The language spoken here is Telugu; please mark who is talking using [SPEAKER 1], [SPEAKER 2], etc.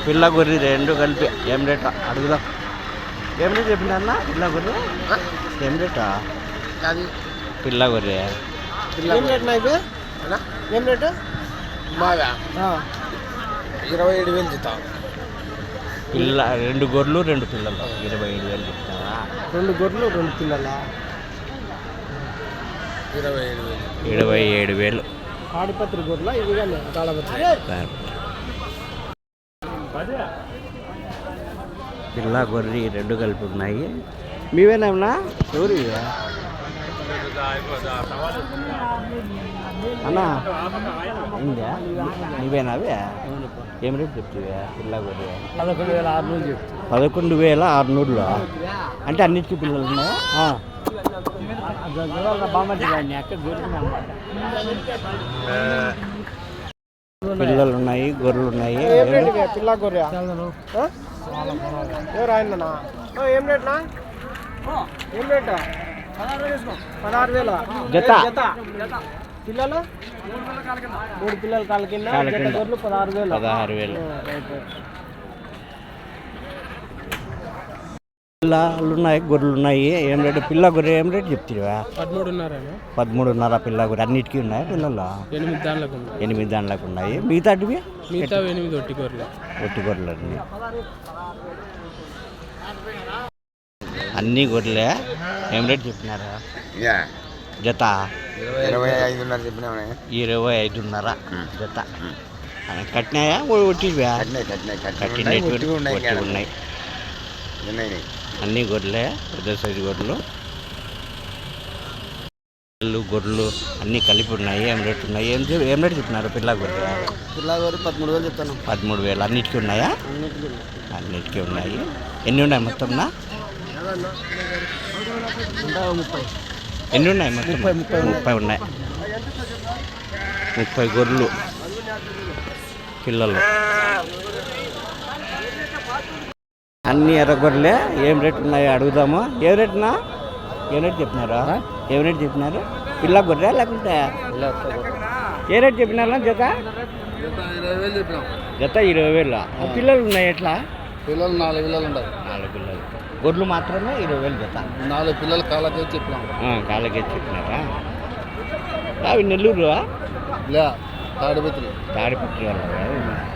[SPEAKER 1] పిల్ల గొర్రె రెండు కలిపి ఏం రేట్ అడుగుదాం. ఏం రేట్ చెప్పింది అన్న పిల్ల గొర్రె? ఏం రేటా పిల్ల గొర్రె?
[SPEAKER 2] ఏం రేటు?
[SPEAKER 3] బాగా 27,000 చెప్తా.
[SPEAKER 1] పిల్ల రెండు గొర్రెలు రెండు పిల్లలు 27,000 చెప్తావా?
[SPEAKER 2] రెండు గొర్రెలు రెండు పిల్లల
[SPEAKER 1] 27,000.
[SPEAKER 2] ఆడిపత్రి గొర్రెల ఇవి కానీ తాళపత్రి.
[SPEAKER 1] పిల్ల గొర్రె రెండు కలిపి ఉన్నాయి. మీవేనా ఎవరు అన్నా? ఇందా నీవేనా? ఏం రేపు చెప్తావా పిల్ల గొర్రె?
[SPEAKER 2] 11,600
[SPEAKER 1] 11,600 అంటే అన్నిటికీ పిల్లలు ఉన్నాయా? పిల్లలు ఉన్నాయి, గొర్రెలు ఉన్నాయి.
[SPEAKER 2] పిల్ల గొర్రె ఎవరు ఆయననా? ఏం రేట్నా? ఏం రేట్? 16,000
[SPEAKER 1] జత.
[SPEAKER 2] పిల్లలు 3 పిల్లల కాళ్ళ కింద గొర్రెలు 16,000.
[SPEAKER 1] పిల్లలు ఉన్నాయి, గొర్రెలు ఉన్నాయి. ఏం రేటు పిల్ల గొర్రె? ఏం రేటు చెప్తావా? 13,500 పిల్ల గొర్రె. అన్నిటికీ ఉన్నాయా పిల్లలు? 8 దాంట్లోకి ఉన్నాయి. మిగతా
[SPEAKER 2] 8
[SPEAKER 1] ఒట్టి గొర్రెలు అన్నీ. అన్నీ గొర్రెలే. ఏం రేటు చెప్పినారా జత?
[SPEAKER 3] 25,500 చెప్పినా.
[SPEAKER 1] 25,500 జత. కట్టినాయా ఒట్టివా? కట్టినట్టు ఉన్నాయి. అన్నీ గొర్రెలే, పెద్ద సైజు గొర్రెలు. గొర్రెలు అన్నీ కలిపి ఉన్నాయి. ఏం రేటు ఉన్నాయి? ఏం రేటు చెప్పినారు పిల్ల గొర్రె?
[SPEAKER 2] 13,000 చెప్తాను.
[SPEAKER 1] 13,000. అన్నిటికీ ఉన్నాయా? అన్నిటికీ ఉన్నాయి. ఎన్ని ఉన్నాయి మొత్తం? ఎన్ని ఉన్నాయి మొత్తం? 30 ఉన్నాయి. 30 గొర్రెలు పిల్లలు. అన్ని ఎర్రగొర్రెలే. ఏం రేటు ఉన్నాయో అడుగుదాము. ఏం రేటునా? ఏం రేటు చెప్పినారా? ఏం రేటు చెప్పినారు? పిల్ల గొర్రె లేకుంటే ఏ రేటు చెప్పినారా జత? 20,000. పిల్లలు ఉన్నాయి ఎట్లా?
[SPEAKER 3] పిల్లలు 4 పిల్లలు ఉన్నాయి.
[SPEAKER 1] 4 పిల్లలు. గొర్రెలు మాత్రమే 20,000 జత.
[SPEAKER 3] 4 పిల్లలు కాళ్ళకే చెప్పినాం.
[SPEAKER 1] కాళ్ళకే చెప్పినారా? అవి నెల్లూరు
[SPEAKER 3] తాడిపత్రి
[SPEAKER 1] వాళ్ళ